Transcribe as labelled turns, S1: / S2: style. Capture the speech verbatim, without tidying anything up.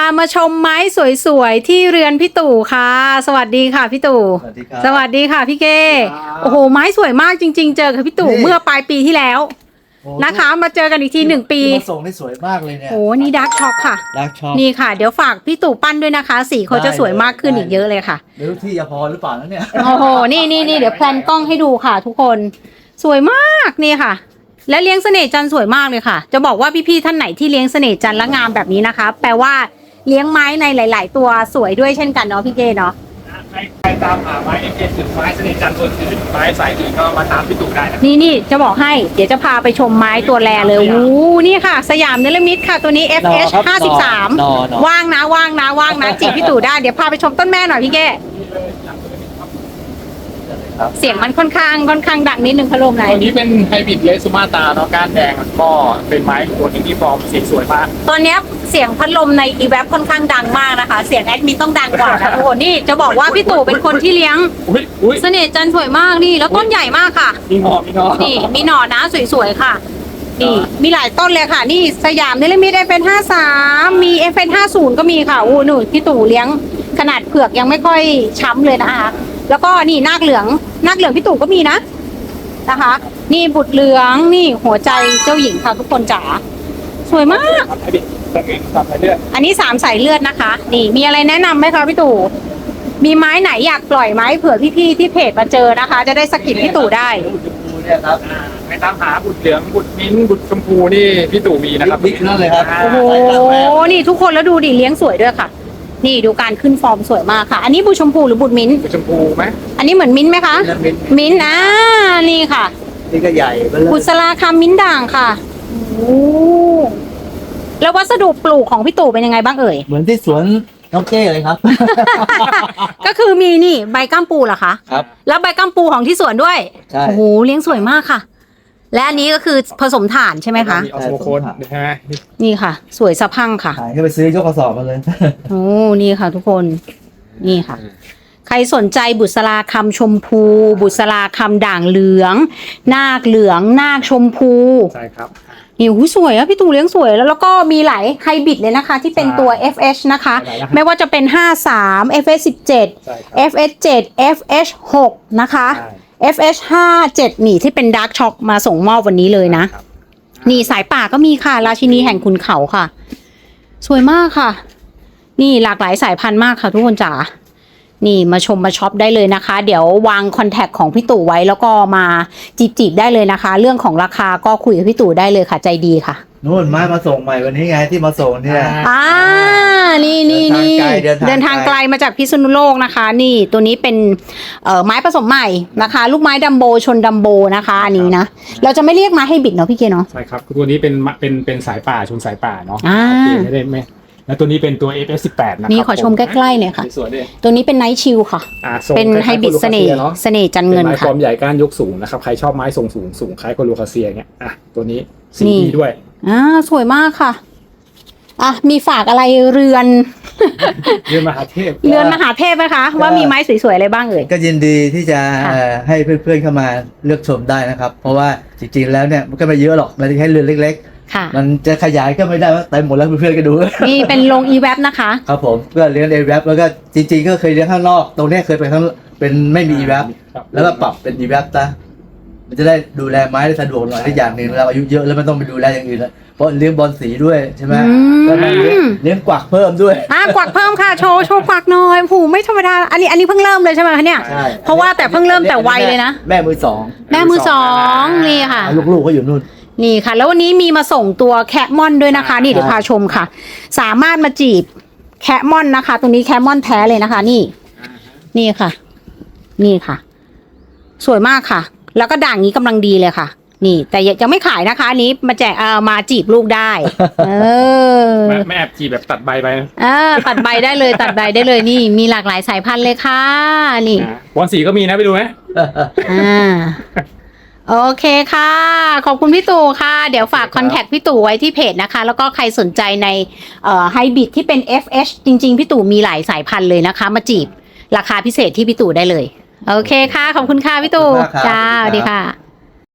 S1: มาชมไม้สวยๆที่เรือนพี่ตู่ค่ะสวัสดีค่ะพี่ตู่สวัสดีครับสวัสดีค่ะพี่เก้โอ้โหไม้สวยมากจริงๆเจอกับพี่ตู่เมื่อปลายปีที่แล้วนะคะมาเจอกันอีกทีหนึ่งปี
S2: มาส่งได้สวยมากเลยเนี่ย
S1: โอ้นี่ดาร์กช็อกค่ะ
S2: ดาร์กช็อก
S1: นี่ค่ะเดี๋ยวฝากพี่ตู่ปั้นด้วยนะคะสีเขาจะสวยมากขึ้นอีกเยอะเลยค่ะ
S2: ไม่รู้ที่จะพอหรือเปล่าแล้วเนี่ย
S1: โอ้โหนี่นี่นี่เดี๋ยวแพลนกล้องให้ดูค่ะทุกคนสวยมากนี่ค่ะและเลี้ยงเสน่ห์จันทร์สวยมากเลยค่ะจะบอกว่าพี่ๆท่านไหนที่เลี้ยงเสน่ห์จันทร์และงามแบบนี้นะคะแปลว่าเลี้ยงไม้ในหลายๆตัวสวยด้วยเช่นกันเนาะพี่เก้เนาะ
S3: ใครใครตามหาไม้เอ็มเจถึงไม้เสน่ห์จันทร์ตัวอื่นไม้สายอื่นก็มาตามพี่ตู่ได้นะ
S1: นี่นี่จะบอกให้เดี๋ยวจะพาไปชมไม้ตัวแรเลยโอ้นี่ค่ะสยามเนลมิตค่ะตัวนี้ เอฟ เอช ห้าสิบสามว่างนะว่างนะว่างนะจีบพี่ตู่ได้เดี๋ยวพาไปชมต้นแม่หน่อยพี่เก้เสียงมันค่อนข้างค่อนข้างดังนิดนึงพัดลมไหน
S3: ตัวนี้เป็นไฮบริดเลซูมาตาเนาะก้านแดงก็เป็นไม้ตัวนึงที่ฟอร์มสีสวยมาก
S1: ตอนนี้เสียงพัดลมในอีแวบค่อนข้างดังมากนะคะเสียงแอดมินต้องดังกว่านะทุกคนนี่จะบอกว่าพี่ตู่เป็นคนที่เลี้ยงเสน่ห์จันทร์สวยมากนี่แล้วต้นใหญ่มากค่ะ
S3: มีหน่อมีหน่อ
S1: นี่มีหน่อนะสวยๆค่ะนี่มีหลายต้นเลยค่ะนี่สยามเนลมิต เอฟ เอส ห้าสามมี เอฟ เอส ห้าสิบก็มีค่ะอู้หนูพี่ตู่เลี้ยงขนาดเผือกยังไม่ค่อยช้ำเลยนะคะแล้วก็นี่นาคเหลืองนาคเหลืองพี่ตู่ก็มีนะนะคะนี่บุตรเหลืองนี่หัวใจเจ้าหญิงค่ะทุกคนจ๋าสวยมากอันนี้สามสายเลือดนะคะนี่มีอะไรแนะนำไหมคะพี่ตู่มีไม้ไหนอยากปล่อยไม้เผื่อพี่ๆที่เพจมาเจอนะคะจะได้สกิดพี่ตู่ได้
S3: เนี่ยครับไปตามหาบุตรเหลืองบุตรมิ้นบุตรชมพูนี่พี่ตู่มีนะครับ
S2: บิ๊กนั่นเลยครับ
S1: โอ้โหนี่ทุกคนแล้วดูดิเลี้ยงสวยด้วยค่ะนี่ดูการขึ้นฟอร์มสวยมากค่ะอันนี้บุตรชมพูหรือบุตรมิ้น
S3: บุตรชมพูไหม
S1: อันนี้เหมือนมิ้นไหมคะมิ้นอ่านี่ค่ะ
S2: นี่ก็ใหญ่
S1: บุษราคำมิ้นด่างค่ะโอ้แล้ววัสดุปลูกของพี่ตู่เป็นยังไงบ้างเอ่ย
S2: เหมือนที่สวนน้องเก้เลยครับ
S1: ก็คือมีนี่ใบก้ามปูเหรอคะ
S2: ครับ
S1: แล้วใบก้ามปูของที่สวนด้วย
S2: ใช่
S1: โอ้โหเลี้ยงสวยมากค่ะและอันนี้ก็คือผสมถ่านใช่ไหมคะ
S3: มีออสโมโคนใช่ไหม
S1: นี่ค่ะสวยสะพังค่ะ
S2: ขายให้ไปซื้อยกกระสอบมาเลย
S1: โอ้นี่ค่ะทุกคนนี่ค่ะใครสนใจบุษราคำชมพูบุษราคำด่างเหลืองนาคเหลืองนาคชมพู
S3: ใช่ครับ
S1: นี่หูสวยอะพี่ตู่เลี้ยงสวยแล้วแล้วก็มีหลายไฮบริดเลยนะคะที่เป็นตัว เอฟ เอช นะคะไม่ว่าจะเป็นห้าสาม เอฟ เอส สิบเจ็ด เอฟ เอส เจ็ด เอฟ เอช หกนะคะ เอฟ เอช ห้าเจ็ดนี่ที่เป็นดาร์กช็อกมาส่งมอบวันนี้เลยนะนี่สายป่าก็มีค่ะราชินีแห่งขุนเขาค่ะสวยมากค่ะนี่หลากหลายสายพันธุ์มากค่ะทุกคนจ๋านี่มาชมมาช็อปได้เลยนะคะเดี๋ยววางคอนแทคของพี่ตู่ไว้แล้วก็มาจีบจีบได้เลยนะคะเรื่องของราคาก็คุยกับพี่ตู่ได้เลยค่ะใจดีค่ะ
S2: นู่นไม้มาส่งใหม่วันนี้ไงที่มาส่งเนี่ย
S1: อ่านี่นี่นี่เดินทางไกลมาจากพิษณุโลกนะคะนี่ตัวนี้เป็นเอ่อไม้ผสมใหม่นะคะลูกไม้ดัมโบชนดัมโบนะคะอันนี้นะเราจะไม่เรียกไม้ให้บิดเนาะพี่เกเนาะ
S3: ใช่ครับตัวนี้เป็นเป็นเป็นสายป่าชนสายป่าเนาะไม่ได้ไม่แล้วตัวนี้เป็นตัว เอฟ เอส สิบแปด นะครับ
S1: นี่ขอชมใกล้ๆเนี่ยค่ะตัวนี้เป็นไนท์ชิลค่ะเป็นไฮบริดเสน่ห์เสน่ห์จันเงินค่ะ
S3: ไม้ฟอร์มใหญ่ก้านยกสูงนะครับใครชอบไม้ทรงสูงสูงคล้ายโคลูคาเซียเงี้ยอ่ะตัวนี้สีดีด้วย
S1: อ่าสวยมากค่ะอ่ะมีฝากอะไรเรือน
S3: เรือนมหาเทพ
S1: เรือนมหาเทพไหมคะว่ามีไม้สวยๆอะไรบ้างเอ่ย
S2: ก็ยินดีที่จะให้เพื่อนๆเข้ามาเลือกชมได้นะครับเพราะว่าจริงๆแล้วเนี่ยมันก็ไม่เยอะหรอกมันแค่เรือนเล็กๆมันจะขยายก็ไม่ได้ว่าเต็มหมดแล้วเพื่อนๆก็ดู
S1: นี่เป็นลงอีแวบนะคะ
S2: ครับผมก็เลี้ยงอีแวบแล้วก็จริงๆก็เคยเลี้ยงข้างนอกตรงนี้เคยไปข้างเป็นไม่มีอีแวบแล้วก็ปรับเป็นอีแวบซะมันจะได้ดูแลไม้ได้สะดวกหน่อยได้อย่างหนึ่งเราอายุเยอะแล้วมันต้องไปดูแลอย่างอื่นแล้วเพราะเลี้ยงบอลสีด้วยใช่ไหมแล้วเลี้ยงกวักเพิ่มด้วย
S1: อ่ะกวักเพิ่มค่ะโชว์โชว์กวักหน่อยผูไม่ธรรมดาอันนี้อันนี้เพิ่งเริ่มเลยใช่ไหมคะเนี่ยเพราะว่าแต่เพิ่งเริ่มแต่วัยเลยนะ
S2: แม่มือสอง
S1: แม่มือสองนี่ค่ะ
S2: ลูกๆก็อยู่นู่น
S1: นี่ค่ะแล้ววันนี้มีมาส่งตัวแคะมอนด้วยนะคะนี่เดี๋ยวพาชมค่ะสามารถมาจีบแคะมอนนะคะตรงนี้แคะมอนแท้เลยนะคะนี่นี่ค่ะนี่ค่ะสวยมากค่ะแล้วก็ด่างนี้กำลังดีเลยค่ะนี่แต่ยังไม่ขายนะคะอันนี้มาแจกเอ่อมาจีบลูกได้เออ
S3: ไม่แอบจีบแบบตัดใบไป
S1: อ่าตัดใบได้เลยตัดใบได้เลยนี่มีหลากหลายสายพันธุ์เลยค่ะนี่
S3: บอลสีก็มีนะไปดูไหม
S1: อ่าโอเคค่ะขอบคุณพี่ตู่ค่ะเดี๋ยวฝากคอนแทคพี่ตู่ไว้ที่เพจนะคะแล้วก็ใครสนใจในเอ่อไฮบริดที่เป็น เอฟ เอช จริงๆพี่ตู่มีหลายสายพันธุ์เลยนะคะมาจีบราคาพิเศษที่พี่ตู่ได้เลยโอเคค่ะขอบคุณค่ะพี่ตู่จ้าสวัสดีค่ะ